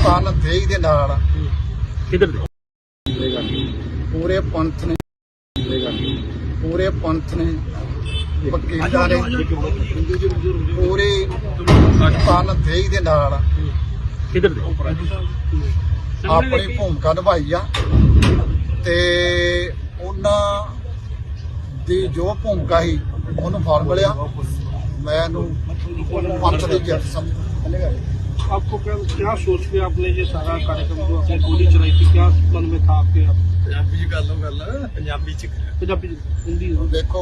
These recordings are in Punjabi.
ਕੰਨ ਦੇਈ ਦੇ ਨਾਲ ਕਿੱਧਰ ਦੇ ਪੂਰੇ ਪੰਥ ਨੇ ਵਕੀਲਾਂ ਨੇ ਪੂਰੇ ਕੰਨ ਦੇਈ ਦੇ ਨਾਲ ਕਿੱਧਰ ਦੇ ਆਪਣੀ ਭੂਮਿਕਾ ਨਿਭਾਈ ਆ ਤੇ ਉਹਨਾਂ ਦੀ ਜੋ ਭੂਮਿਕਾ ਸੀ ਉਹਨੂੰ ਫਲ ਮਿਲਿਆ। मैं पंथ की जित समझ। आपको क्या सोच के आपने ये सारा कार्यक्रम जो आपने गोली चलाई थी क्या मन में था आपके? पंजाबी हिंदी देखो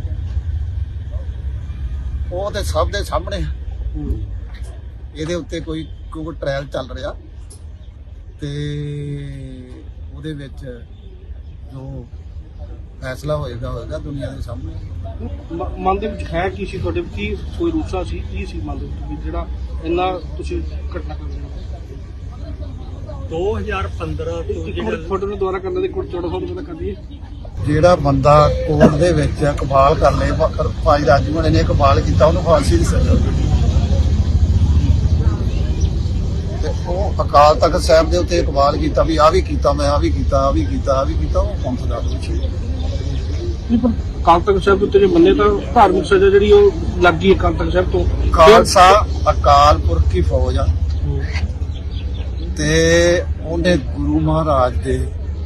वो तो सब दे सामने ਇਹਦੇ ਉੱਤੇ ਕੋਈ ਟ੍ਰਾਇਲ ਚੱਲ ਰਿਹਾ ਤੇ ਉਹਦੇ ਵਿੱਚ ਜੋ ਫੈਸਲਾ ਹੋਏਗਾ ਦੁਨੀਆ ਦੇ ਸਾਹਮਣੇ। ਮਨ ਦੇ ਵਿੱਚ ਹੈ ਕੀ ਸੀ ਤੁਹਾਡੇ ਕੀ ਕੋਈ ਰੂਸਾ ਸੀ ਕੀ ਸੀ ਮਨ ਦੇ ਵਿੱਚ ਜਿਹੜਾ ਇੰਨਾ ਤੁਸੀਂ ਘਟਨਾ ਕਰ ਰਹੇ ਹੋ 2015 ਤੋਂ ਜਿਹੜਾ ਫੋਟੋ ਨੂੰ ਦੁਬਾਰਾ ਕਰਨ ਦੇ ਕੋਲ 1400 ਰੁਪਏ ਦਾ ਕਰ ਦਈਏ। ਜਿਹੜਾ ਬੰਦਾ ਕੋਰਟ ਦੇ ਵਿੱਚ ਇਕਬਾਲ ਕਰ ਲੇ ਭਾਈ ਰਾਜੂ ਨੇ ਇਕਬਾਲ ਕੀਤਾ ਉਹਨੂੰ ਫਾਂਸੀ ਦੀ ਸਜ਼ਾ ਤੇ ਉਹ ਅਕਾਲ ਤਖਤ ਸਾਹਿਬ ਦੇ ਉੱਤੇ ਇਕਬਾਲ ਕੀਤਾ ਵੀ ਆ ਵੀ ਕੀਤਾ ਮੈਂ ਆ ਵੀ ਕੀਤਾ ਉਹ ਪੰਥ ਦਾ ਦੋਸ਼ੀ। ਅਕਾਲ ਤਖਤ ਸਾਹਿਬ ਦੇ ਉੱਤੇ ਜੇ ਮੰਨੇ ਤਾਂ ਧਾਰਮਿਕ ਸਜ਼ਾ ਜਿਹੜੀ ਉਹ ਲੱਗ ਗਈ ਅਕਾਲ ਤਖਤ ਸਾਹਿਬ ਤੋਂ। ਖਾਲਸਾ ਅਕਾਲ ਪੁਰਖ ਦੀ ਫੌਜ ਆ ਤੇ ਉਹਨੇ ਗੁਰੂ ਮਹਾਰਾਜ ਦੇ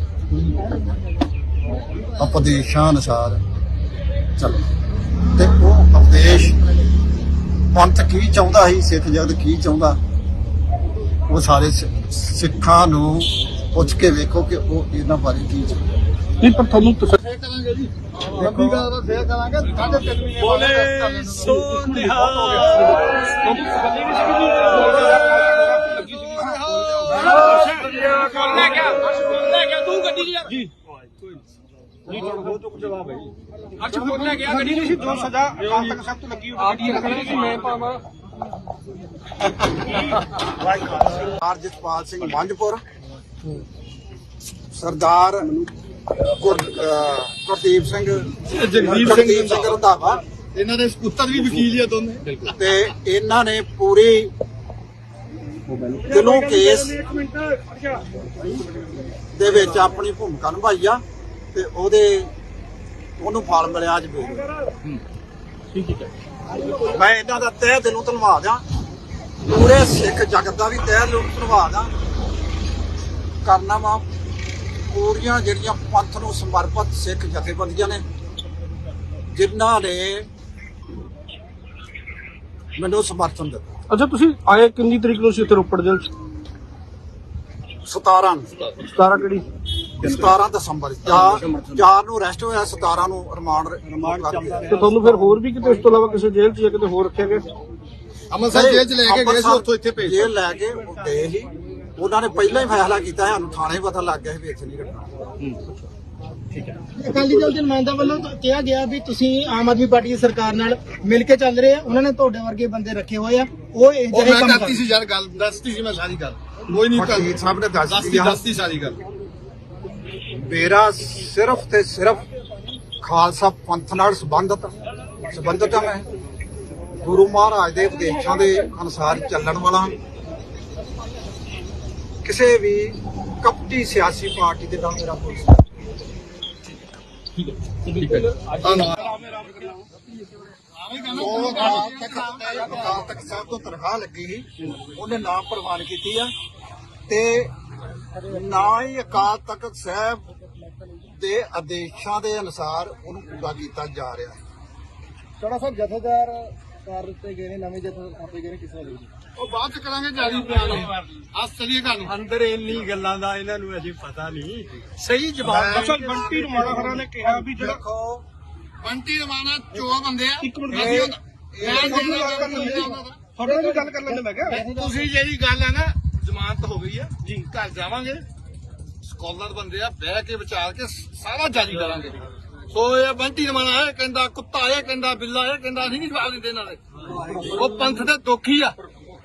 ਉਪਦੇਸ਼ਾਂ ਅਨੁਸਾਰ ਚੱਲ ਤੇ ਉਹ ਉਪਦੇਸ਼ ਪੰਥ ਕੀ ਚਾਹੁੰਦਾ ਸੀ ਸਿੱਖ ਜਗਤ ਕੀ ਚਾਹੁੰਦਾ ਉਹ ਸਾਰੇ ਸਿੱਖਾਂ ਨੂੰ ਪੁੱਛ ਕੇ ਵੇਖੋ ਕਿ ਉਹ ਇਹਨਾਂ ਬਾਰੇ ਕੀ ਚਾਹੁੰਦਾ। ਨਹੀਂ ਪਰ ਤੁਹਾਨੂੰ ਕਰਾਂਗੇ ਜੀ ਲੰਬੀ ਗੱਲ ਦਾ ਫੇਰ ਕਰਾਂਗੇ 3.5 ਮਹੀਨੇ ਬੋਲੇ ਸੋ ਨਿਹਾਲ ਤੂੰ ਗੱਡੀ ਜੀ ਜੀ ਹੋ ਚੁੱਕ ਜਵਾਬ ਹੈ ਜੀ। ਅੱਛਾ ਫੋਨ ਲੈ ਗਿਆ ਗੱਡੀ ਨਹੀਂ ਸੀ ਜੋ ਸਜ਼ਾ ਅਕਾਲ ਤਖਤ ਸਾਹਿਬ ਤੋਂ ਲੱਗੀ ਉਹ ਗੱਡੀ ਰੱਖਣੀ ਸੀ ਮੈਂ ਪਾਵਾਂ। ਸਰਦਾਰ ਜਸਪਾਲ ਸਿੰਘ ਮੰਝਪੁਰ ਸਰਦਾਰ ਗੁਰਦੀਪ ਸਿੰਘ ਰੰਧਾਵਾ ਇਹਨਾਂ ਦੇ ਪੁੱਤਰ ਵੀ ਵਕੀਲ ਹੀ ਆ ਦੋਨੇ ਤੇ ਇਹਨਾਂ ਨੇ ਪੂਰੀ ਦਿਲੋਂ ਕੇਸ ਦੇ ਵਿੱਚ ਆਪਣੀ ਭੂਮਿਕਾ ਨਿਭਾਈ ਆ ਤੇ ਉਹਨੂੰ ਫਲ ਮਿਲਿਆ ਅੱਜ ਵੀ। ਠੀਕ ਹੈ ਮੈਂ ਇਹਨਾਂ ਦਾ ਤਹਿ ਦਿਲੋਂ ਧੰਨਵਾਦ ਆ ਪੂਰੇ ਸਿੱਖ ਜਗਤ ਦਾ ਵੀ ਤਹਿ ਦਿਲੋਂ ਧੰਨਵਾਦ ਆ ਕਰਨਾ ਵਾ ਪੂਰੀਆਂ ਜਿਹੜੀਆਂ ਪੰਥ ਨੂੰ ਸਮਰਪਿਤ ਸਿੱਖ ਜਥੇਬੰਦੀਆਂ ਨੇ ਜਿਨ੍ਹਾਂ ਨੇ ਮੈਨੂੰ ਸਮਰਥਨ ਦਿੱਤਾ। ਅੱਛਾ ਤੁਸੀਂ ਆਏ ਕਿੰਨੀ ਤਰੀਕ ਨੂੰ ਸੀ ਇੱਥੇ ਰੋਪੜ ਜੇਲ੍ਹ 'ਚ? 17 ਕਿਹੜੀ 17 ਦਸੰਬਰ 4 ਨੂੰ ਅਰੈਸਟ ਹੋਇਆ 17 ਨੂੰ ਰਿਮਾਂਡ ਤੇ ਤੁਹਾਨੂੰ ਫਿਰ ਹੋਰ ਵੀ ਕਿਤੇ ਇਸ ਤੋਂ ਇਲਾਵਾ ਕਿਸੇ ਜੇਲ੍ਹ 'ਚ ਜਾਂ ਕਿਤੇ ਹੋਰ ਰੱਖਿਆ ਗਿਆ? ਅੰਮ੍ਰਿਤਸਰ ਜੇਲ੍ਹ 'ਚ ਲੈ ਕੇ ਗਏ ਸੀ ਉੱਥੋਂ ਇੱਥੇ ਭੇਜ ਜੇਲ੍ਹ ਲੈ ਕੇ ਗਏ ਸੀ। ਉਹਨਾਂ ਨੇ ਪਹਿਲਾਂ ਹੀ ਫੈਸਲਾ ਕੀਤਾ ਸਾਨੂੰ ਥਾਣੇ ਪਤਾ ਲੱਗ ਗਿਆ ਸੀ ਵੀ ਇੱਥੇ ਨਹੀਂ ਰੱਖਣਾ। ਅਕਾਲੀ ਦਲ ਦੇ ਨੁਮਾਇੰਦਾ ਵੱਲੋਂ ਕਿਹਾ ਗਿਆ ਵੀ ਤੁਸੀਂ ਆਮ ਆਦਮੀ ਪਾਰਟੀ ਦੀ ਸਰਕਾਰ ਨਾਲ ਮਿਲ ਕੇ ਚੱਲ ਰਹੇ ਆ ਉਹਨਾਂ ਨੇ ਤੁਹਾਡੇ ਵਰਗੇ ਬੰਦੇ ਰੱਖੇ ਹੋਏ ਆ ਉਹ ਇਹ ਜਿਹੜੇ ਕੰਮ ਕਰਦੀ ਸੀ ਯਾਰ ਗੱਲ ਦੱਸਦੀ ਸੀ ਮੈਂ ਸਾਰੀ ਗੱਲ ਕੋਈ ਨਹੀਂ ਵਕੀਲ ਸਾਹਿਬ ਨੇ ਦੱਸਦੀ ਸਾਰੀ ਗੱਲ। ਮੇਰਾ ਸਿਰਫ ਤੇ ਸਿਰਫ ਖਾਲਸਾ ਪੰਥ ਨਾਲ ਸੰਬੰਧਤ ਆ। ਮੈਂ ਗੁਰੂ ਮਹਾਰਾਜ ਦੇ ਉਪਦੇਸ਼ਾਂ ਦੇ ਅਨੁਸਾਰ ਚੱਲਣ ਵਾਲਾ ਕਿਸੇ ਵੀ ਕਪਟੀ ਸਿਆਸੀ ਪਾਰਟੀ ਦੇ ਨਾਲ ਮੇਰਾ ਕੋਈ ਅਕਾਲ ਤਖਤ ਸਾਹਿਬ ਤੋਂ ਤਨਖਾਹ ਲੱਗੀ ਸੀ ਉਹਨੇ ਨਾਮ ਪ੍ਰਵਾਨ ਕੀਤੀ ਆ ਤੇ ਨਾ ਹੀ ਅਕਾਲ ਤਖਤ ਸਾਹਿਬ ਦੇ ਆਦੇਸ਼ਾਂ ਦੇ ਅਨੁਸਾਰ ਉਹਨੂੰ ਪੂਰਾ ਕੀਤਾ ਜਾ ਰਿਹਾ। ਚੜਾ ਸਾਹਿਬ ਜਥੇਦਾਰ ਕਰ ਦਿੱਤੇ ਗਏ ਨੇ ਨਵੇਂ ਜਥੇਦਾਰ ਆਪੇ ਗਏ ਨੇ ਕਿਸੇ ਲਈ ਉਹ ਬਾਅਦ ਚ ਕਰਾਂਗੇ ਜਾਰੀ ਬਿਆਨ ਅੱਜ ਚਲੀਏ ਗੱਲ ਅੰਦਰ ਇੰਨੀ ਗੱਲਾਂ ਦਾ ਇਹਨਾਂ ਨੂੰ ਅਜੇ ਪਤਾ ਨਹੀਂ ਸਹੀ ਜਵਾਬ। ਅਸਲ ਬੰਟੀ ਰਮਾਣਾ ਖਰਾ ਨੇ ਕਿਹਾ ਵੀ ਜਿਹੜਾ ਦੇਖੋ ਬੰਟੀ ਰਮਾਣਾ 4 ਬੰਦੇ ਆ ਇੱਕ ਮਿੰਟ ਤੁਹਾਡੇ ਨਾਲ ਗੱਲ ਕਰ ਲੈਂਦੇ ਮੈਂ ਕਿਹਾ ਤੁਸੀਂ ਜਿਹੜੀ ਗੱਲ ਹੈ ਨਾ ਜ਼ਮਾਨਤ ਹੋ ਗਈ ਆ ਜੀ ਘਰ ਜਾਵਾਂਗੇ ਸਕਾਲਰ ਬੰਦੇ ਆ ਬਹਿ ਕੇ ਵਿਚਾਰ ਕੇ ਸਾਰਾ ਜਾਰੀ ਕਰਾਂਗੇ। ਸੋ ਇਹ ਬੰਟੀ ਰਮਾਣਾ ਇਹ ਕਹਿੰਦਾ ਕੁੱਤਾ ਇਹ ਕਹਿੰਦਾ ਬਿੱਲਾ ਇਹ ਕਹਿੰਦਾ ਅਸੀਂ ਨਹੀਂ ਜਵਾਬ ਦਿੰਦੇ ਇਹਨਾਂ ਦੇ। ਉਹ ਪੰਥ ਦੇ ਦੋਖੀ ਆ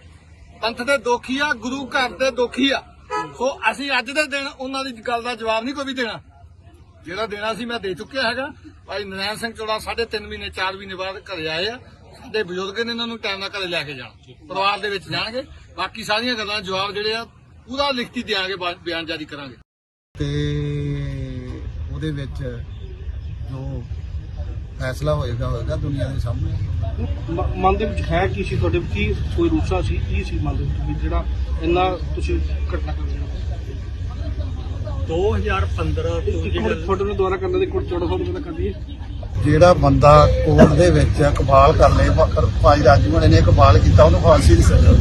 ਗੁਰੂ ਘਰ ਦੇ ਦੋਖੀ ਆ। ਸੋ ਅਸੀਂ ਅੱਜ ਦੇ ਦਿਨ ਉਹਨਾਂ ਦੀ ਗੱਲ ਦਾ ਜਵਾਬ ਨਹੀਂ ਕੋਈ ਵੀ ਦੇਣਾ। ਜਿਹੜਾ ਦੇਣਾ ਸੀ ਮੈਂ ਦੇ ਚੁੱਕਿਆ ਹੈਗਾ। ਭਾਈ ਨਰੈਣ ਸਿੰਘ ਚੋੜਾ 3.5 ਮਹੀਨੇ 4 ਮਹੀਨੇ ਬਾਅਦ ਘਰੇ ਆਏ ਆ। ਸਾਡੇ ਬਜ਼ੁਰਗ ਨੇ ਇਹਨਾਂ ਨੂੰ ਟਾਈਮ ਨਾਲ ਘਰੇ ਲੈ ਕੇ ਜਾਣਾ ਪਰਿਵਾਰ ਦੇ ਵਿੱਚ ਜਾਣਗੇ। ਬਾਕੀ ਸਾਰੀਆਂ ਗੱਲਾਂ ਜਵਾਬ ਜਿਹੜੇ ਆ ਪੂਰਾ ਲਿਖਤੀ ਦਿਆਂਗੇ, ਬਿਆਨ ਜਾਰੀ ਕਰਾਂਗੇ। ਤੇ ਉਹਦੇ ਵਿੱਚ ਜੋ ਫੈਸਲਾ ਹੋਏਗਾ ਦੁਨੀਆ ਦੇ ਸਾਹਮਣੇ। ਮਨ ਦੇ ਵਿੱਚ ਹੈ ਕੀ ਸੀ ਤੁਹਾਡੇ, ਕੀ ਕੋਈ ਰੂਸਾ ਸੀ, ਕੀ ਸੀ ਮਨ ਦੇ ਵਿੱਚ ਵੀ ਜਿਹੜਾ ਇੰਨਾ ਤੁਸੀਂ ਘਟਨਾ ਕਰ ਰਹੇ ਹੋ? 2015 ਤੋਂ ਜਿਹੜਾ ਫੋਟੋ ਨੂੰ ਦੁਬਾਰਾ ਕਰਨ ਦੇ ਕੋਲ 1400 ਰੁਪਏ ਦਾ ਕਰ ਦਈਏ। ਜਿਹੜਾ ਬੰਦਾ ਕੋਰਟ ਦੇ ਵਿੱਚ ਇਕਬਾਲ ਕਰ ਲੇ, ਭਾਈ ਰਾਜੂ ਨੇ ਇਕਬਾਲ ਕੀਤਾ, ਉਹਨੂੰ ਫਾਂਸੀ ਦੀ ਸਜ਼ਾ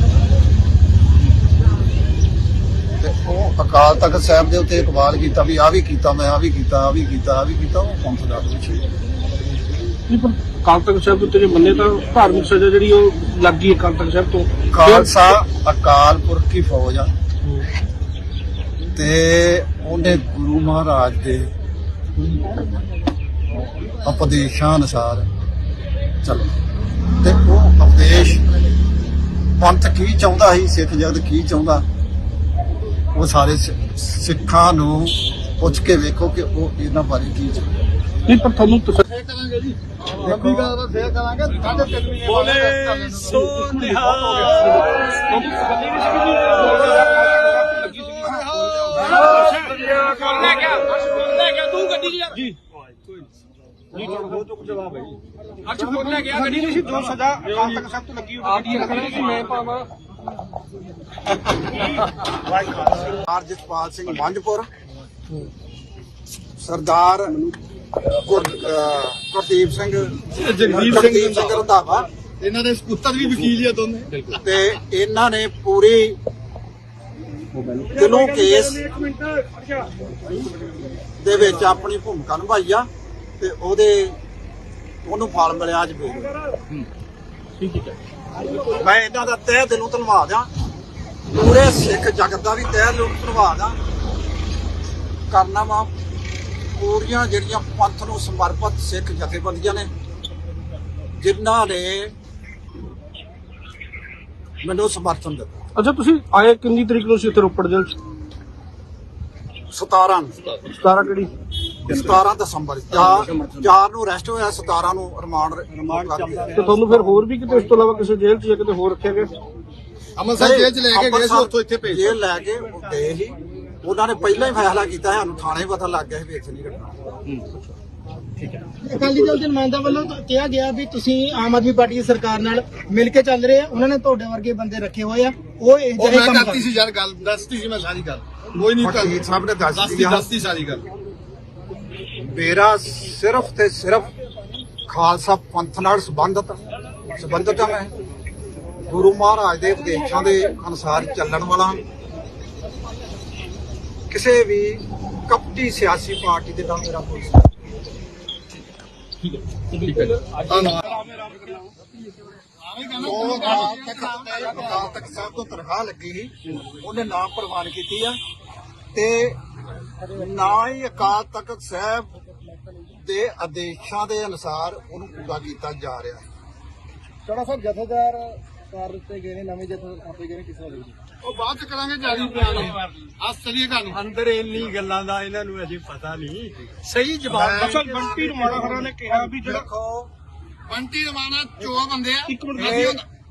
ਤੇ ਉਹ ਅਕਾਲ ਤਖਤ ਸਾਹਿਬ ਦੇ ਉੱਤੇ ਇਕਬਾਲ ਕੀਤਾ ਵੀ ਆਹ ਵੀ ਕੀਤਾ, ਮੈਂ ਆਹ ਵੀ ਕੀਤਾ, ਉਹ ਪੰਥ ਦਾ ਦੋਸ਼ੀ ਹੈ। ਨਹੀਂ ਪਰ ਅਕਾਲ ਤਖਤ ਸਾਹਿਬ ਦੇ ਉੱਤੇ ਜੇ ਮੰਨੇ ਤਾਂ ਧਾਰਮਿਕ ਸਜ਼ਾ ਜਿਹੜੀ ਉਹ ਲੱਗ ਗਈ ਅਕਾਲ ਤਖਤ ਸਾਹਿਬ ਤੋਂ। ਖਾਲਸਾ ਅਕਾਲ ਪੁਰਖ ਦੀ ਫੌਜ ਆ ਤੇ ਉਹਨੇ ਗੁਰੂ ਮਹਾਰਾਜ ਦੇ ਉਪਦੇਸ਼ਾਂ ਅਨੁਸਾਰ ਚੱਲ ਤੇ ਉਹ ਉਪਦੇਸ਼ ਪੰਥ ਕੀ ਚਾਹੁੰਦਾ ਸੀ, ਸਿੱਖ ਜਗਤ ਕੀ ਚਾਹੁੰਦਾ, ਉਹ ਸਾਰੇ ਸਿੱਖਾਂ ਨੂੰ ਪੁੱਛ ਕੇ ਵੇਖੋ ਕਿ ਉਹ ਇਹਨਾਂ ਬਾਰੇ ਕੀ ਚਾਹੁੰਦਾ। ਨਹੀਂ ਪਰ ਤੁਹਾਨੂੰ ਕਰਾਂਗੇ ਜੀ, ਲੰਬੀ ਗੱਲ ਦਾ ਫੇਰ ਕਰਾਂਗੇ। 3.5 ਮਹੀਨੇ ਬੋਲੇ ਸੋ ਨਿਹਾਲ। ਤੂੰ ਗੱਡੀ ਜੀ ਜੀ ਜੀ ਹੋ ਚੁੱਕ ਜਵਾਬ ਹੈ ਜੀ। ਅੱਛਾ ਫੋਨ ਲੈ ਗਿਆ ਗੱਡੀ ਨਹੀਂ ਸੀ, ਜੋ ਸਜ਼ਾ ਅਕਾਲ ਤਖਤ ਸਾਹਿਬ ਤੋਂ ਲੱਗੀ ਉਹਦੀ ਰੱਖਣੀ ਸੀ ਮੈਂ ਪਾਵਾਂ। ਸਰਦਾਰ ਜਸਪਾਲ ਸਿੰਘ ਮੰਝਪੁਰ, ਸਰਦਾਰ ਗੁਰਦੀਪ ਸਿੰਘ ਰੰਧਾਵਾ, ਇਹਨਾਂ ਦੇ ਪੁੱਤਰ ਵੀ ਵਕੀਲ ਹੀ ਆ ਦੋਨੇ, ਤੇ ਇਹਨਾਂ ਨੇ ਪੂਰੀ ਦਿਲੋਂ ਕੇਸ ਦੇ ਵਿੱਚ ਆਪਣੀ ਭੂਮਿਕਾ ਨਿਭਾਈ ਆ ਤੇ ਉਹਨੂੰ ਫਲ ਮਿਲਿਆ ਅੱਜ ਵੀ। ਠੀਕ ਹੈ, ਮੈਂ ਇਹਨਾਂ ਦਾ ਤਹਿ ਦਿਲੋਂ ਧੰਨਵਾਦ ਆ, ਪੂਰੇ ਸਿੱਖ ਜਗਤ ਦਾ ਵੀ ਤਹਿ ਦਿਲੋਂ ਧੰਨਵਾਦ ਆ ਕਰਨਾ ਵਾ। ਪੂਰੀਆਂ ਜਿਹੜੀਆਂ ਪੰਥ ਨੂੰ ਸਮਰਪਿਤ ਸਿੱਖ ਜਥੇਬੰਦੀਆਂ ਨੇ ਜਿਨ੍ਹਾਂ ਨੇ ਮੈਨੂੰ ਸਮਰਥਨ ਦਿੱਤਾ। ਅੱਛਾ ਤੁਸੀਂ ਆਏ ਕਿੰਨੀ ਤਰੀਕ ਨੂੰ ਸੀ ਇੱਥੇ ਰੋਪੜ ਜੇਲ੍ਹ 'ਚ? 17 ਕਿਹੜੀ 17 ਦਸੰਬਰ 4 ਨੂੰ ਅਰੈਸਟ ਹੋਇਆ, 17 ਨੂੰ ਰਿਮਾਂਡ ਤੇ ਤੁਹਾਨੂੰ ਫਿਰ ਹੋਰ ਵੀ ਕਿਤੇ ਇਸ ਤੋਂ ਇਲਾਵਾ ਕਿਸੇ ਜੇਲ੍ਹ 'ਚ ਜਾਂ ਕਿਤੇ ਹੋਰ ਰੱਖਿਆ ਗਿਆ? ਅੰਮ੍ਰਿਤਸਰ ਜੇਲ੍ਹ 'ਚ ਲੈ ਕੇ ਗਏ ਸੀ, ਉੱਥੋਂ ਇੱਥੇ ਭੇਜ ਜੇਲ੍ਹ ਲੈ ਕੇ ਗਏ ਸੀ। ਉਹਨਾਂ ਨੇ ਪਹਿਲਾਂ ਹੀ ਫੈਸਲਾ ਕੀਤਾ, ਸਾਨੂੰ ਥਾਣੇ ਪਤਾ ਲੱਗ ਗਿਆ ਸੀ ਵੀ ਇੱਥੇ ਨਹੀਂ ਰੱਖਣਾ। ਅਕਾਲੀ ਦਲ ਦੇ ਨੁਮਾਇੰਦਾ ਵੱਲੋਂ ਕਿਹਾ ਗਿਆ ਵੀ ਤੁਸੀਂ ਆਮ ਆਦਮੀ ਪਾਰਟੀ ਦੀ ਸਰਕਾਰ ਨਾਲ ਮਿਲ ਕੇ ਚੱਲ ਰਹੇ ਆ, ਉਹਨਾਂ ਨੇ ਤੁਹਾਡੇ ਵਰਗੇ ਬੰਦੇ ਰੱਖੇ ਹੋਏ ਆ, ਉਹ ਇਹ ਜਿਹੇ ਕੰਮ ਕਰਤੀ ਸੀ ਯਾਰ, ਗੱਲ ਦੱਸਤੀ ਸੀ ਮੈਂ ਸਾਰੀ ਗੱਲ, ਕੋਈ ਨਹੀਂ ਸਭ ਨੇ ਦੱਸਤੀ ਸਾਰੀ ਗੱਲ। ਮੇਰਾ ਸਿਰਫ ਤੇ ਸਿਰਫ ਖਾਲਸਾ ਪੰਥ ਨਾਲ ਸੰਬੰਧਤ ਆ। ਮੈਂ ਗੁਰੂ ਮਹਾਰਾਜ ਦੇ ਉਪਦੇਸ਼ਾਂ ਦੇ ਅਨੁਸਾਰ ਚੱਲਣ ਵਾਲਾ, ਕਿਸੇ ਵੀ ਕਪਟੀ ਸਿਆਸੀ ਪਾਰਟੀ ਦੇ ਨਾਲ ਮੇਰਾ ਕੋਈ ਅਕਾਲ ਤਖਤ ਸਾਹਿਬ ਤੋਂ ਤਨਖਾਹ ਲੱਗੀ ਸੀ, ਉਹਨੇ ਨਾਮ ਪ੍ਰਵਾਨ ਕੀਤੀ ਆ ਤੇ ਨਾ ਹੀ ਅਕਾਲ ਤਖਤ ਸਾਹਿਬ ਦੇ ਆਦੇਸ਼ਾਂ ਦੇ ਅਨੁਸਾਰ ਉਹਨੂੰ ਪੂਰਾ ਕੀਤਾ ਜਾ ਰਿਹਾ। ਚੜਾ ਸਾਹਿਬ ਜਥੇਦਾਰ ਕਰ ਦਿੱਤੇ ਗਏ ਨੇ, ਨਵੇਂ ਜਥੇਦਾਰ ਆਪੇ ਗਏ ਨੇ, ਕਿਸੇ ਵੱਲੋਂ ਉਹ ਬਾਅਦ ਚ ਕਰਾਂਗੇ ਜਾਰੀ ਬਿਆਨ। ਅੱਜ ਚਲੀਏ ਤੁਹਾਨੂੰ ਅੰਦਰ ਇੰਨੀ ਗੱਲਾਂ ਦਾ ਇਹਨਾਂ ਨੂੰ ਅਜੇ ਪਤਾ ਨਹੀਂ, ਸਹੀ ਜਵਾਬ। ਅਸਲ ਬੰਟੀ ਰਮਾਣਾ ਖਰਾ ਨੇ ਕਿਹਾ ਵੀ ਜਿਹੜਾ ਦੇਖੋ ਬੰਟੀ ਰਮਾਣਾ ਚੋ ਬੰਦੇ ਆ। ਇੱਕ ਮਿੰਟ ਤੁਹਾਡੇ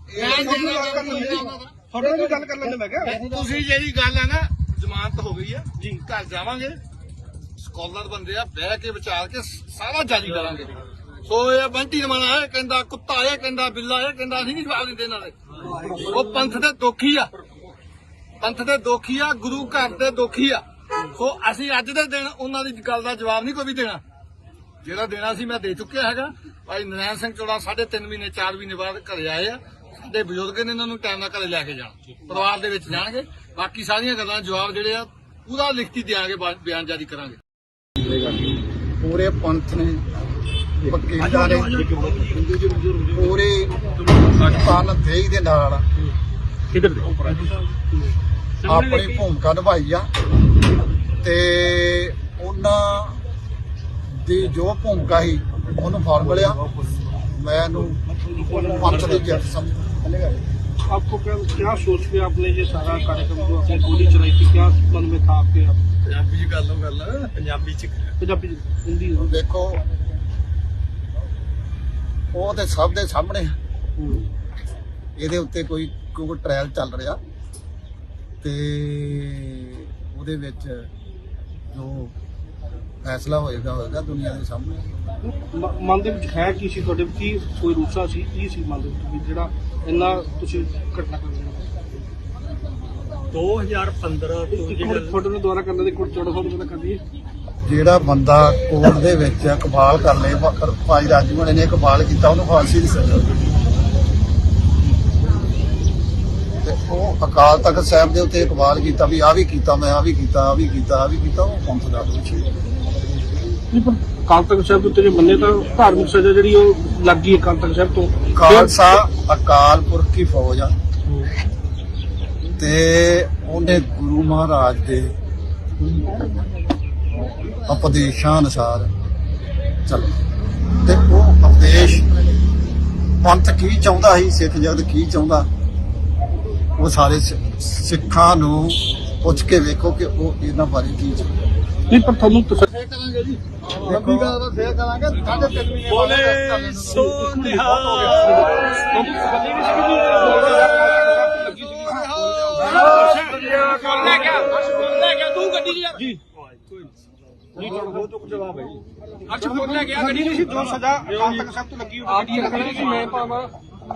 ਨਾਲ ਵੀ ਗੱਲ ਕਰ ਲੈਂਦੇ। ਮੈਂ ਕਿਹਾ ਤੁਸੀਂ ਜਿਹੜੀ ਗੱਲ ਹੈ ਨਾ, ਜ਼ਮਾਨਤ ਹੋ ਗਈ ਆ ਜੀ, ਘਰ ਜਾਵਾਂਗੇ, ਸਕਾਲਰ ਬੰਦੇ ਆ, ਬਹਿ ਕੇ ਵਿਚਾਰ ਕੇ ਸਾਰਾ ਜਾਰੀ ਕਰਾਂਗੇ। ਸੋ ਇਹ ਬੰਟੀ ਰਮਾਣਾ ਇਹ ਕਹਿੰਦਾ ਕੁੱਤਾ, ਇਹ ਕਹਿੰਦਾ ਬਿੱਲਾ, ਇਹ ਕਹਿੰਦਾ ਅਸੀਂ ਨਹੀਂ ਜਵਾਬ ਦਿੰਦੇ ਇਹਨਾਂ ਦੇ। ਉਹ ਪੰਥ ਦੇ ਦੋਖੀ ਆ, ਪੰਥ ਦੇ ਦੋਖੀ ਆ, ਗੁਰੂ ਘਰ ਦੇ ਦੋਖੀ ਆ। ਸੋ ਅਸੀਂ ਅੱਜ ਦੇ ਦਿਨ ਉਹਨਾਂ ਦੀ ਗੱਲ ਦਾ ਜਵਾਬ ਨਹੀਂ ਕੋਈ ਵੀ ਦੇਣਾ, ਜਿਹੜਾ ਦੇਣਾ ਸੀ ਮੈਂ ਦੇ ਚੁੱਕਿਆ ਹੈਗਾ। ਭਾਈ ਨਰੈਣ ਸਿੰਘ ਚੋੜਾ 3.5 ਮਹੀਨੇ 4 ਮਹੀਨੇ ਬਾਅਦ ਘਰੇ ਆਏ ਆ। ਸਾਡੇ ਬਜ਼ੁਰਗ ਨੇ ਇਹਨਾਂ ਨੂੰ ਟਾਈਮ ਨਾਲ ਘਰੇ ਲੈ ਕੇ ਜਾਣਾ, ਪਰਿਵਾਰ ਦੇ ਵਿੱਚ ਜਾਣਗੇ। ਬਾਕੀ ਸਾਰੀਆਂ ਗੱਲਾਂ ਜਵਾਬ ਜਿਹੜੇ ਆ ਪੂਰਾ ਲਿਖਤੀ ਦਿਆਂਗੇ, ਬਿਆਨ ਜਾਰੀ ਕਰਾਂਗੇ। ਪੂਰੇ ਪੰਥ ਨੇ, ਵਕੀਲਾਂ ਨੇ, ਪੂਰੇ ਤਨ ਦੇਹੀ ਦੇ ਨਾਲ ਆਪਣੀ ਭੂਮਿਕਾ ਨਿਭਾਈ ਆ ਤੇ ਉਹਨਾਂ ਦੀ ਜੋ ਭੂਮਿਕਾ ਸੀ ਉਹਨੂੰ ਫਲ ਮਿਲਿਆ। ਮੈਨੂੰ ਪੰਥ ਦੀ ਜਿੱਤ ਸਮਝੇਗਾ। आपको क्या सोच के आपने ये सारा कार्यक्रम जो आपने गोली चलाई थी, क्या मन में था आपके? ਪੰਜਾਬੀ ਚ ਗੱਲ ਪੰਜਾਬੀ ਚ पंजाबी हिंदी ਦੇਖੋ ਉਹ ਤੇ ਸਭ ਦੇ ਸਾਹਮਣੇ ਇਹਦੇ ਉੱਤੇ ਕੋਈ ਟ੍ਰਾਇਲ ਚੱਲ ਰਿਹਾ ਤੇ ਉਹਦੇ ਵਿੱਚ ਜੋ ਫੈਸਲਾ ਹੋਏਗਾ ਦੁਨੀਆ ਦੇ ਸਾਹਮਣੇ। ਮਨ ਦੇ ਵਿੱਚ ਹੈ ਕੀ ਸੀ ਤੁਹਾਡੇ, ਕੀ ਕੋਈ ਰੂਸਾ ਸੀ, ਕੀ ਸੀ ਮਨ ਦੇ ਵਿੱਚ ਵੀ ਜਿਹੜਾ ਇੰਨਾ ਤੁਸੀਂ ਘਟਨਾ ਕਰ ਰਹੇ 2015 ਤੋਂ ਜਿਹੜਾ ਫੋਟੋ ਨੂੰ ਦੁਆਰਾ ਕਰਨ ਦੇ ਕੋਲ 1400 ਰੁਪਏ ਦਾ ਕਰ ਦਈਏ। ਜਿਹੜਾ ਬੰਦਾ ਕੋਰਟ ਦੇ ਵਿੱਚ ਇਕਬਾਲ ਕਰ ਲੇ, ਭਾਈ ਰਾਜੂ ਹੋਣੇ ਨੇ ਇਕਬਾਲ ਕੀਤਾ, ਉਹਨੂੰ ਫਾਂਸੀ ਦੀ ਸਜ਼ਾ ਹੋਈ। ਤੇ ਉਹ ਅਕਾਲ ਤਖਤ ਸਾਹਿਬ ਦੇ ਉੱਤੇ ਇਕਬਾਲ ਕੀਤਾ ਵੀ ਆਹ ਵੀ ਕੀਤਾ, ਮੈਂ ਆਹ ਵੀ ਕੀਤਾ, ਆਹ ਵੀ ਕੀਤਾ, ਆਹ ਵੀ ਕੀਤਾ, ਉਹ ਪੰਥ ਦਾ ਦੋਸ਼ੀ ਹੈ। ਨਹੀਂ ਪਰ ਅਕਾਲ ਤਖਤ ਸਾਹਿਬ ਦੇ ਉੱਤੇ ਜੇ ਮੰਨੇ ਤਾਂ ਧਾਰਮਿਕ ਸਜ਼ਾ ਜਿਹੜੀ ਉਹ ਲੱਗ ਗਈ ਅਕਾਲ ਤਖਤ ਸਾਹਿਬ ਤੋਂ। ਖਾਲਸਾ ਅਕਾਲ ਪੁਰਖ ਦੀ ਫੌਜ ਆ ਤੇ ਉਹਨੇ ਗੁਰੂ ਮਹਾਰਾਜ ਦੇ ਉਪਦੇਸ਼ਾਂ ਅਨੁਸਾਰ ਚੱਲ, ਤੇ ਉਹ ਉਪਦੇਸ਼ ਪੰਥ ਕੀ ਚਾਹੁੰਦਾ ਸੀ, ਸਿੱਖ ਜਗਤ ਕੀ ਚਾਹੁੰਦਾ, ਉਹ ਸਾਰੇ ਸਿੱਖਾਂ ਨੂੰ ਪੁੱਛ ਕੇ ਵੇਖੋ ਕਿ ਉਹ ਇਹਨਾਂ ਬਾਰੇ ਕੀ ਚਾਹੁੰਦਾ। ਨਹੀਂ ਪਰ ਤੁਹਾਨੂੰ ਤਸੱਲੀ ਕਰਾਂਗੇ ਜੀ, ਲੰਬੀ ਗੱਲ ਤਾਂ ਫੇਰ ਕਰਾਂਗੇ। 3.5 ਮਹੀਨੇ ਬੋਲੇ ਸੋ ਨਿਹਾਲ। ਤੂੰ ਗੱਡੀ ਜੀ ਜੀ ਤੁਹਾਡਾ ਬਹੁਤ ਚੁੱਕ ਜਵਾਬ ਹੈ ਜੀ। ਅੱਛਾ ਫੋਨ ਲੈ ਗਿਆ ਗੱਡੀ ਨਹੀਂ ਸੀ, ਜੋ ਸਜ਼ਾ ਅਕਾਲ ਤਖਤ ਸਾਹਿਬ ਤੋਂ ਲੱਗੀ ਉਹ ਗੱਡੀ ਰੱਖਣੀ ਸੀ, ਮੈਂ ਪਾਵਾਂ।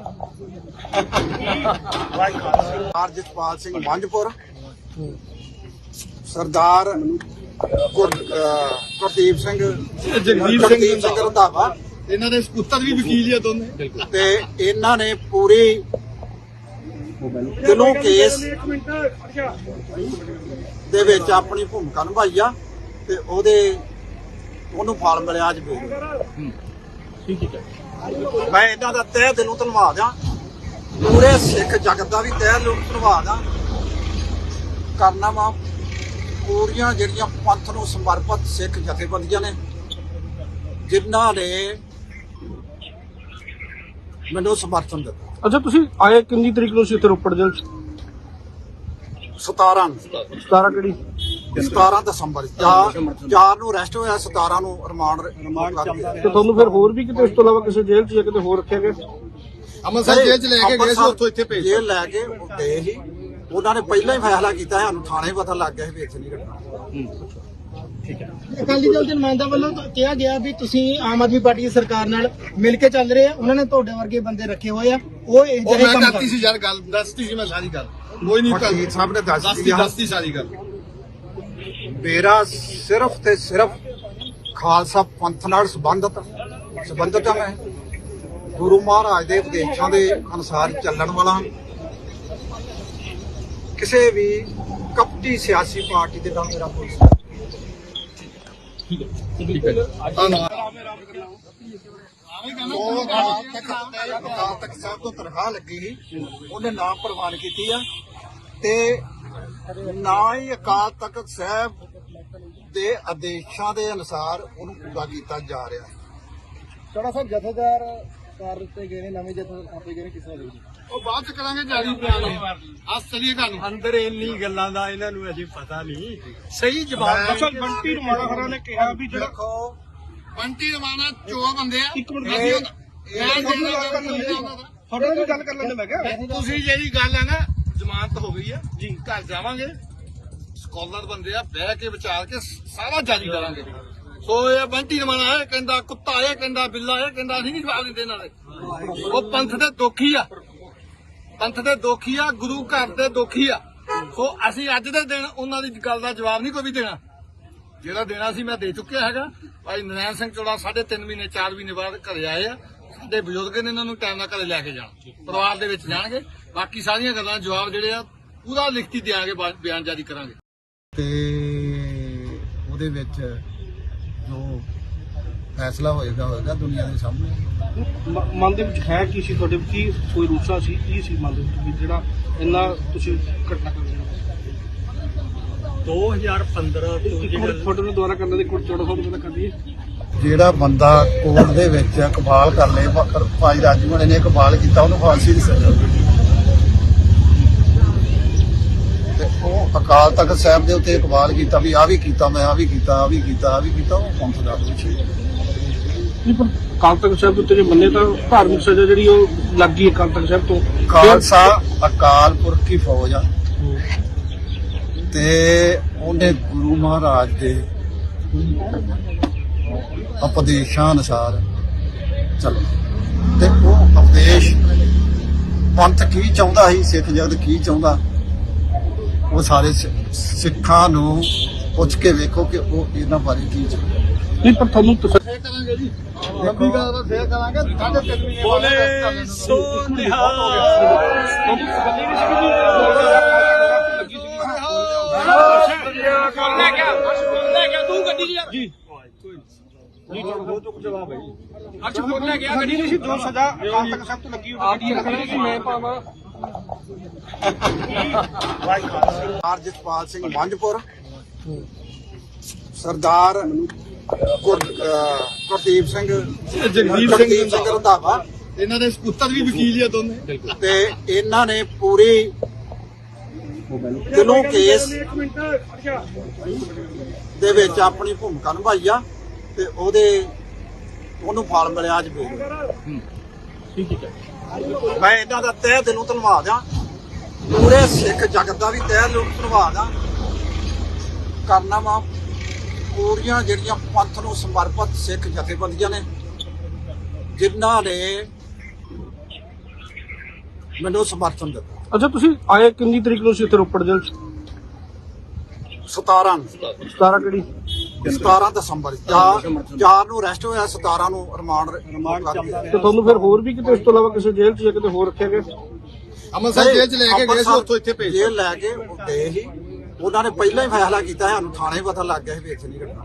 ਸਰਦਾਰ ਜਸਪਾਲ ਸਿੰਘ ਮੰਝਪੁਰ, ਸਰਦਾਰ ਗੁਰਦੀਪ ਸਿੰਘ ਜਗਦੀਪ ਰੰਧਾਵਾ, ਇਹਨਾਂ ਦੇ ਸਪੁੱਤਰ ਵੀ ਵਕੀਲ ਆ ਦੋਨੇ। ਤੇ ਇਹਨਾਂ ਨੇ ਪੂਰੀ ਦਿਲੋਂ ਕੇਸ ਦੇ ਵਿੱਚ ਆਪਣੀ ਭੂਮਿਕਾ ਨਿਭਾਈ ਆ ਤੇ ਉਹਨੂੰ ਫਲ ਮਿਲਿਆ ਅੱਜ ਵੀ। ਠੀਕ ਹੈ ਮੈਂ ਇਹਨਾਂ ਦਾ ਤਹਿ ਦਿਲੋਂ ਧੰਨਵਾਦ ਆ, ਪੂਰੇ ਸਿੱਖ ਜਗਤ ਦਾ ਵੀ ਤਹਿ ਦਿਲੋਂ ਧੰਨਵਾਦ ਆ ਕਰਨਾ ਵਾ। ਪੂਰੀਆਂ ਜਿਹੜੀਆਂ ਪੰਥ ਨੂੰ ਸਮਰਪਿਤ ਸਿੱਖ ਜਥੇਬੰਦੀਆਂ ਨੇ ਜਿਨ੍ਹਾਂ ਨੇ ਮੈਨੂੰ ਸਮਰਥਨ ਦਿੱਤਾ। ਅੱਛਾ ਤੁਸੀਂ ਆਏ ਕਿੰਨੀ ਤਰੀਕ ਨੂੰ ਸੀ ਇੱਥੇ ਰੋਪੜ ਜੇਲ੍ਹ 'ਚ? 17 ਕਿਹੜੀ 17 ਦਸੰਬਰ 4 ਨੂੰ ਅਰੈਸਟ ਹੋਇਆ, 17 ਨੂੰ ਰਿਮਾਂਡ ਤੇ ਤੁਹਾਨੂੰ ਫਿਰ ਹੋਰ ਵੀ ਕਿਤੇ ਇਸ ਤੋਂ ਇਲਾਵਾ ਕਿਸੇ ਜੇਲ੍ਹ 'ਚ ਜਾਂ ਕਿਤੇ ਹੋਰ ਰੱਖਿਆ ਗਿਆ? ਅੰਮ੍ਰਿਤਸਰ ਜੇਲ੍ਹ ਚ ਲੈ ਕੇ ਗਏ ਸੀ, ਉੱਥੋਂ ਇੱਥੇ ਭੇਜ ਜੇਲ੍ਹ ਲੈ ਕੇ ਗਏ ਸੀ। ਉਹਨਾਂ ਨੇ ਪਹਿਲਾਂ ਹੀ ਫੈਸਲਾ ਕੀਤਾ, ਸਾਨੂੰ ਥਾਣੇ ਪਤਾ ਲੱਗ ਗਿਆ ਸੀ ਵੀ ਇੱਥੇ ਨਹੀਂ ਰੱਖਣਾ। ਅਕਾਲੀ ਦਲ ਦੇ ਨੁਮਾਇੰਦਾ ਵੱਲੋਂ ਤਾਂ ਕਿਹਾ ਗਿਆ ਵੀ ਤੁਸੀਂ ਆਮ ਆਦਮੀ ਪਾਰਟੀ ਦੀ ਸਰਕਾਰ ਨਾਲ ਮਿਲ ਕੇ ਚੱਲ ਰਹੇ ਆ, ਉਹਨਾਂ ਨੇ ਤੁਹਾਡੇ ਵਰਗੇ ਬੰਦੇ ਰੱਖੇ ਹੋਏ ਆ, ਉਹ ਇਹ ਉਹ ਜਿਹੜੇ ਮੈਂ ਕੰਮ ਕਰਤੀ ਕਰਦੇ ਸੀ ਯਾਰ, ਗੱਲ ਦੱਸਤੀ ਸੀ ਮੈਂ ਸਾਰੀ ਗੱਲ। ਕੋਈ ਨਹੀਂ ਵਕੀਲ ਸਾਹਿਬ ਨੇ ਦੱਸਤੀ ਸਾਰੀ ਗੱਲ। ਮੇਰਾ ਸਿਰਫ ਤੇ ਸਿਰਫ ਖਾਲਸਾ ਪੰਥ ਨਾਲ ਸੰਬੰਧਤ ਆ। ਮੈਂ ਗੁਰੂ ਮਹਾਰਾਜ ਦੇ ਉਪਦੇਸ਼ਾਂ ਦੇ ਅਨੁਸਾਰ ਚੱਲਣ ਵਾਲਾ ਹਾਂ। ਕਿਸੇ ਵੀ ਕਪਟੀ ਸਿਆਸੀ ਪਾਰਟੀ ਦੇ ਨਾਲ ਮੇਰਾ ਕੋਈ ਅਕਾਲ ਤਖਤ ਸਾਹਿਬ ਤੋਂ ਤਨਖਾਹ ਲੱਗੀ ਸੀ, ਉਹਨੇ ਨਾਮ ਪ੍ਰਵਾਨ ਕੀਤੀ ਆ ਤੇ ਨਾ ਹੀ ਅਕਾਲ ਤਖਤ ਸਾਹਿਬ ਦੇ ਆਦੇਸ਼ਾਂ ਦੇ ਅਨੁਸਾਰ ਉਹਨੂੰ ਪੂਰਾ ਕੀਤਾ ਜਾ ਰਿਹਾ ਹੈ। ਥੋੜਾ ਸਾ ਜਥੇਦਾਰ ਕਰ ਦਿੱਤੇ ਗਏ ਨੇ, ਨਵੇਂ ਜਥੇਦਾਰ ਆਪੇ ਗਏ ਨੇ, ਕਿਸੇ ਦਾ ਉਹ ਬਾਅਦ ਚ ਕਰਾਂਗੇ ਜਾਰੀ ਬਿਆਨ। ਅੱਜ ਚਲੀਏ ਘਰ ਨੂੰ। ਅੰਦਰ ਇੰਨੀ ਗੱਲਾਂ ਦਾ ਇਹਨਾਂ ਨੂੰ ਅਜੇ ਪਤਾ ਨਹੀਂ। ਸਹੀ ਜਵਾਬ ਅਸਲ ਬੰਟੀ ਰਮਾਣਾ ਹਰਾ ਨੇ ਕਿਹਾ ਵੀ ਜਿਹੜਾ ਦੇਖੋ ਬੰਟੀ ਰਮਾਣਾ ਚੋਰ ਬੰਦੇ ਆ। ਇੱਕ ਮਿੰਟ ਅਸੀਂ ਤੁਹਾਡੇ ਨਾਲ ਵੀ ਗੱਲ ਕਰ ਲੈਂਦੇ। ਮੈਂ ਕਿਹਾ ਤੁਸੀਂ ਜਿਹੜੀ ਗੱਲ ਹੈ ਨਾ, ਜ਼ਮਾਨਤ ਹੋ ਗਈ ਆ ਜੀ, ਘਰ ਜਾਵਾਂਗੇ, ਸਕਾਲਰ ਬੰਦੇ ਆ, ਬਹਿ ਕੇ ਵਿਚਾਰ ਕੇ ਸਾਰਾ ਜਾਰੀ ਕਰਾਂਗੇ। ਸੋ ਇਹ ਬੰਟੀ ਰਮਾਣਾ ਇਹ ਕਹਿੰਦਾ ਕੁੱਤਾ, ਇਹ ਕਹਿੰਦਾ ਬਿੱਲਾ, ਇਹ ਕਹਿੰਦਾ ਅਸੀਂ ਨਹੀਂ ਜਵਾਬ ਦਿੰਦੇ ਇਹਨਾਂ ਦੇ। ਉਹ ਪੰਥ ਦੇ ਦੋਖੀ ਆ, ਪੰਥ ਦੇ ਦੋਖੀ ਆ, ਗੁਰੂ ਘਰ ਦੇ ਦੋਖੀ ਆ। ਸੋ ਅਸੀਂ ਅੱਜ ਦੇ ਦਿਨ ਉਹਨਾਂ ਦੀ ਗੱਲ ਦਾ ਜਵਾਬ ਨਹੀਂ ਕੋਈ ਵੀ ਦੇਣਾ। ਜਿਹੜਾ ਦੇਣਾ ਸੀ ਮੈਂ ਦੇ ਚੁੱਕਿਆ ਹੈਗਾ। ਭਾਈ ਨਰੈਣ ਸਿੰਘ ਚੋੜਾ 3.5 ਮਹੀਨੇ 4 ਮਹੀਨੇ ਬਾਅਦ ਘਰੇ ਆਏ ਆ। ਸਾਡੇ ਬਜ਼ੁਰਗ ਨੇ ਇਹਨਾਂ ਨੂੰ ਟਾਈਮ ਨਾਲ ਘਰੇ ਲੈ ਕੇ ਜਾਣਾ, ਪਰਿਵਾਰ ਦੇ ਵਿੱਚ ਜਾਣਗੇ। ਬਾਕੀ ਸਾਰੀਆਂ ਗੱਲਾਂ ਜਵਾਬ ਜਿਹੜੇ ਆ ਪੂਰਾ ਲਿਖਤੀ ਦਿਆਂਗੇ, ਬਿਆਨ ਜਾਰੀ ਕਰਾਂਗੇ। ਤੇ ਉਹਦੇ ਵਿੱਚ ਜੋ ਫੈਸਲਾ ਹੋਏਗਾ ਦੁਨੀਆ ਦੇ ਸਾਹਮਣੇ। ਮਨ ਦੇ ਵਿੱਚ ਹੈ ਕੀ ਸੀ ਤੁਹਾਡੇ, ਕੀ ਕੋਈ ਰੂਸਾ ਸੀ, ਕੀ ਸੀ ਮਨ ਦੇ ਵਿੱਚ ਵੀ ਜਿਹੜਾ ਇੰਨਾ ਤੁਸੀਂ ਘਟਨਾ ਕਰ ਰਹੇ 2015 ਤੋਂ ਜਿਹੜਾ ਫੋਟੋ ਨੂੰ ਦੁਆਰਾ ਕਰਨ ਦੇ ਕੋਲ 1400 ਰੁਪਏ ਦਾ ਕਰ ਦਈਏ। ਜਿਹੜਾ ਬੰਦਾ ਕੋਰਟ ਦੇ ਵਿੱਚ ਇਕਬਾਲ ਕਰ ਲੇ, ਭਾਈ ਰਾਜੂ ਹੋਣੇ ਨੇ ਇਕਬਾਲ ਕੀਤਾ, ਉਹਨੂੰ ਫਾਂਸੀ ਦੀ ਸਜ਼ਾ ਹੋਈ। ਤੇ ਉਹ ਅਕਾਲ ਤਖਤ ਸਾਹਿਬ ਦੇ ਉੱਤੇ ਇਕਬਾਲ ਕੀਤਾ ਵੀ ਆਹ ਵੀ ਕੀਤਾ, ਮੈਂ ਆਹ ਵੀ ਕੀਤਾ, ਆਹ ਵੀ ਕੀਤਾ, ਆਹ ਵੀ ਕੀਤਾ, ਉਹ ਪੰਥ ਦਾ ਦੋਸ਼ੀ ਹੈ। ਨਹੀਂ ਪਰ ਅਕਾਲ ਤਖਤ ਸਾਹਿਬ ਦੇ ਉੱਤੇ ਜੇ ਮੰਨੇ ਤਾਂ ਧਾਰਮਿਕ ਸਜ਼ਾ ਜਿਹੜੀ ਉਹ ਲੱਗ ਗਈ ਅਕਾਲ ਤਖਤ ਸਾਹਿਬ ਤੋਂ। ਖਾਲਸਾ ਅਕਾਲ ਪੁਰਖ ਦੀ ਫੌਜ ਆ ਤੇ ਉਹਨੇ ਗੁਰੂ ਮਹਾਰਾਜ ਦੇ ਉਪਦੇਸ਼ਾਂ ਅਨੁਸਾਰ ਚੱਲ ਤੇ ਉਹ ਉਪਦੇਸ਼ ਪੰਥ ਕੀ ਚਾਹੁੰਦਾ ਸੀ, ਸਿੱਖ ਜਗਤ ਕੀ ਚਾਹੁੰਦਾ, ਉਹ ਸਾਰੇ ਸਿੱਖਾਂ ਨੂੰ ਪੁੱਛ ਕੇ ਵੇਖੋ ਕਿ ਉਹ ਇਹਨਾਂ ਬਾਰੇ ਕੀ ਚਾਹੁੰਦਾ। ਨਹੀਂ ਪਰ ਤੁਹਾਨੂੰ ਫੇਰ ਕਰਾਂਗੇ ਜੀ ਲੰਬੀ ਗੱਲ ਤਾਂ ਫੇਰ ਕਰਾਂਗੇ 3:30 ਵਜੇ ਬੋਲੇ ਸੋ ਲੈ ਗਿਆ ਤੂੰ ਗੱਡੀ ਜੀ ਜੀ ਨਹੀਂ ਤੁਹਾਡਾ ਬਹੁਤ ਜਵਾਬ ਹੈ ਜੀ। ਅੱਛਾ ਫਿਰ ਲੈ ਗਿਆ ਗੱਡੀ ਨਹੀਂ ਸੀ ਜੋ ਸਜ਼ਾ ਕਾਲ ਤੱਕ ਸਭ ਤੋਂ ਲੱਗੀ ਹੋਈ ਗੱਡੀ ਸੀ ਮੈਂ ਪਾਵਾਂ। ਸਰਦਾਰ ਜਸਪਾਲ ਸਿੰਘ ਮੰਝਪੁਰ, ਸਰਦਾਰ ਗੁਰਦੀਪ ਸਿੰਘ ਜਗਦੀਪ ਸਿੰਘ ਰੰਧਾਵਾ, ਇਹਨਾਂ ਦੇ ਸਪੁੱਤਰ ਵੀ ਵਕੀਲ ਹੀ ਆ ਦੋਨੇ। ਤੇ ਇਹਨਾਂ ਨੇ ਪੂਰੀ ਦਿਲੋਂ ਕੇਸ ਦੇ ਵਿੱਚ ਆਪਣੀ ਭੂਮਿਕਾ ਨਿਭਾਈ ਆ ਤੇ ਉਹਨੂੰ ਫਲ ਮਿਲਿਆ ਅੱਜ ਵੀ। ਠੀਕ ਹੈ ਮੈਂ ਇਹਨਾਂ ਦਾ ਤਹਿ ਦਿਲੋਂ ਧੰਨਵਾਦ ਆ, ਪੂਰੇ ਸਿੱਖ ਜਗਤ ਦਾ ਵੀ ਤਹਿ ਦਿਲੋਂ ਧੰਨਵਾਦ ਆ ਕਰਨਾ ਵਾ। ਪੂਰੀਆਂ ਜਿਹੜੀਆਂ ਪੰਥ ਨੂੰ ਸਮਰਪਿਤ ਸਿੱਖ ਜਥੇਬੰਦੀਆਂ ਨੇ ਜਿਨ੍ਹਾਂ ਨੇ ਮੈਨੂੰ ਸਮਰਥਨ ਦਿੱਤਾ। ਅੱਛਾ ਤੁਸੀਂ ਆਏ ਕਿੰਨੀ ਤਰੀਕ ਨੂੰ ਸੀ ਇੱਥੇ ਰੋਪੜ ਜੇਲ੍ਹ 'ਚ? 17 ਕਿਹੜੀ 17 ਦਸੰਬਰ 4 ਨੂੰ ਅਰੈਸਟ ਹੋਇਆ, 17 ਨੂੰ ਰਿਮਾਂਡ ਕਰ ਗਿਆ। ਤੇ ਤੁਹਾਨੂੰ ਫਿਰ ਹੋਰ ਵੀ ਕਿਤੇ ਇਸ ਤੋਂ ਇਲਾਵਾ ਕਿਸੇ ਜੇਲ੍ਹ 'ਚ ਜਾਂ ਕਿਤੇ ਹੋਰ ਰੱਖਿਆ ਗਿਆ? ਅੰਮ੍ਰਿਤਸਰ ਜੇਲ੍ਹ ਚ ਲੈ ਕੇ ਗਏ ਸੀ, ਉੱਥੋਂ ਇੱਥੇ ਭੇਜ ਜੇਲ੍ਹ ਲੈ ਕੇ ਗਏ ਸੀ। ਉਹਨਾਂ ਨੇ ਪਹਿਲਾਂ ਹੀ ਫੈਸਲਾ ਕੀਤਾ, ਸਾਨੂੰ ਥਾਣੇ ਪਤਾ ਲੱਗ ਗਿਆ ਸੀ ਵੀ ਇੱਥੇ ਨਹੀਂ ਰੱਖਣਾ।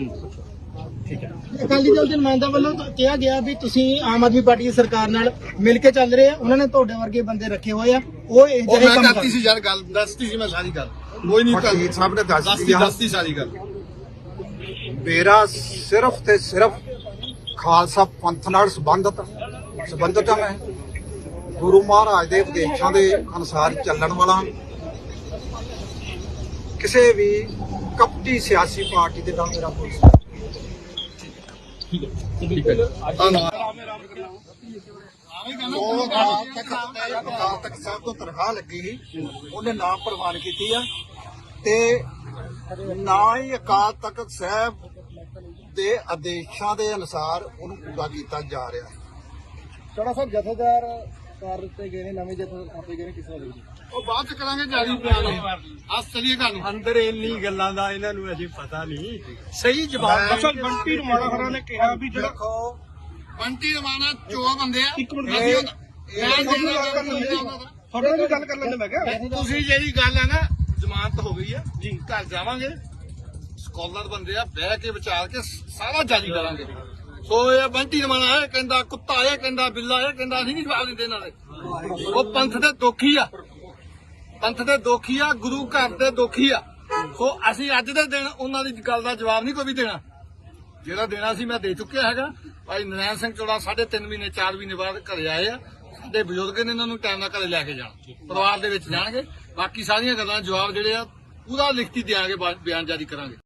ਅਕਾਲੀ ਦਲ ਦੇ ਨੁਮਾਇੰਦਾ ਵੱਲੋਂ ਤਾਂ ਕਿਹਾ ਗਿਆ ਵੀ ਤੁਸੀਂ ਆਮ ਆਦਮੀ ਪਾਰਟੀ ਦੀ ਸਰਕਾਰ ਨਾਲ ਮਿਲ ਕੇ ਚੱਲ ਰਹੇ ਆ, ਉਹਨਾਂ ਨੇ ਤੁਹਾਡੇ ਵਰਗੇ ਬੰਦੇ ਰੱਖੇ ਹੋਏ ਆ, ਉਹ ਇਹ ਉਹ ਜਿਹੜੇ ਮੈਂ ਕੰਮ ਕਰਤੀ ਸੀ ਯਾਰ, ਗੱਲ ਦੱਸਤੀ ਸੀ ਮੈਂ ਸਾਰੀ ਗੱਲ। ਕੋਈ ਨਹੀਂ ਵਕੀਲ ਸਾਹਿਬ ਨੇ ਦੱਸਤੀ ਸਾਰੀ ਗੱਲ। ਮੇਰਾ ਸਿਰਫ ਤੇ ਸਿਰਫ ਖਾਲਸਾ ਪੰਥ ਨਾਲ ਸੰਬੰਧਤ ਹਾਂ। ਮੈਂ ਗੁਰੂ ਮਹਾਰਾਜ ਦੇ ਉਪਦੇਸ਼ਾਂ ਦੇ ਅਨੁਸਾਰ ਚੱਲਣ ਵਾਲਾ, ਕਿਸੇ ਵੀ ਕਪਟੀ ਸਿਆਸੀ ਪਾਰਟੀ ਦੇ ਨਾਲ ਮੇਰਾ ਕੋਈ ਅਕਾਲ ਤਖਤ ਸਾਹਿਬ ਤੋਂ ਤਨਖਾਹ ਲੱਗੀ ਸੀ, ਉਹਨੇ ਨਾਮ ਪ੍ਰਵਾਨ ਕੀਤੀ ਆ ਤੇ ਨਾ ਹੀ ਅਕਾਲ ਤਖਤ ਸਾਹਿਬ ਦੇ ਆਦੇਸ਼ਾਂ ਦੇ ਅਨੁਸਾਰ ਉਹਨੂੰ ਪੂਰਾ ਕੀਤਾ ਜਾ ਰਿਹਾ। ਚੜਾ ਸਾਹਿਬ ਜਥੇਦਾਰ ਕਰ ਦਿੱਤੇ ਗਏ ਨੇ, ਨਵੇਂ ਜਥੇ ਆਪੇ ਗਏ ਨੇ, ਕਿਸੇ ਵਾਲੇ ਉਹ ਬਾਅਦ ਚ ਕਰਾਂਗੇ ਜਾਰੀ ਬਿਆਨ। ਅੱਜ ਚਲੀਏ ਘਰ ਨੂੰ। ਅੰਦਰ ਇੰਨੀ ਗੱਲਾਂ ਦਾ ਇਹਨਾਂ ਨੂੰ ਅਜੇ ਪਤਾ ਨਹੀਂ। ਸਹੀ ਜਵਾਬ ਅਸਲ ਬੰਟੀ ਰਮਾਣਾ ਖਰਾ ਨੇ ਕਿਹਾ ਵੀ ਜਿਹੜਾ ਦੇਖੋ ਬੰਟੀ ਰਮਾਣਾ ਚੋ ਬੰਦੇ ਆ। ਇੱਕ ਮਿੰਟ ਤੁਹਾਡੇ ਨਾਲ ਵੀ ਗੱਲ ਕਰ ਲੈਂਦੇ ਮੈਂ ਕਿਹਾ। ਤੁਸੀਂ ਜਿਹੜੀ ਗੱਲ ਹੈ ਨਾ, ਜ਼ਮਾਨਤ ਹੋ ਗਈ ਆ ਜੀ, ਘਰ ਜਾਵਾਂਗੇ, ਸਕਾਲਰ ਬੰਦੇ ਆ, ਬਹਿ ਕੇ ਵਿਚਾਰ ਕੇ ਸਾਰਾ ਜਾਰੀ ਕਰਾਂਗੇ। ਸੋ ਇਹ ਬੰਟੀ ਰਮਾਣਾ ਇਹ ਕਹਿੰਦਾ ਕੁੱਤਾ, ਇਹ ਕਹਿੰਦਾ ਬਿੱਲਾ, ਇਹ ਕਹਿੰਦਾ ਅਸੀਂ ਨਹੀਂ ਜਵਾਬ ਦਿੰਦੇ ਇਹਨਾਂ ਦੇ। ਉਹ ਪੰਥ ਦੇ ਦੋਖੀ ਆ, ਪੰਥ ਦੇ ਦੋਖੀ ਆ, ਗੁਰੂ ਘਰ ਦੇ ਦੋਖੀ ਆ। ਸੋ ਅਸੀਂ ਅੱਜ ਦੇ ਦਿਨ ਉਹਨਾਂ ਦੀ ਗੱਲ ਦਾ ਜਵਾਬ ਨਹੀਂ ਕੋਈ ਵੀ ਦੇਣਾ। ਜਿਹੜਾ ਦੇਣਾ ਸੀ ਮੈਂ ਦੇ ਚੁੱਕਿਆ ਹੈਗਾ। ਭਾਈ ਨਰੈਣ ਸਿੰਘ ਚੋੜਾ 3.5 ਮਹੀਨੇ 4 ਮਹੀਨੇ ਬਾਅਦ ਘਰੇ ਆਏ ਆ। ਸਾਡੇ ਬਜ਼ੁਰਗ ਨੇ ਇਹਨਾਂ ਨੂੰ ਟਾਈਮ ਨਾਲ ਘਰੇ ਲੈ ਕੇ ਜਾਣਾ, ਪਰਿਵਾਰ ਦੇ ਵਿੱਚ ਜਾਣਗੇ। ਬਾਕੀ ਸਾਰੀਆਂ ਗੱਲਾਂ ਜਵਾਬ ਜਿਹੜੇ ਆ ਪੂਰਾ ਲਿਖਤੀ ਦਿਆਂਗੇ, ਬਿਆਨ ਜਾਰੀ ਕਰਾਂਗੇ।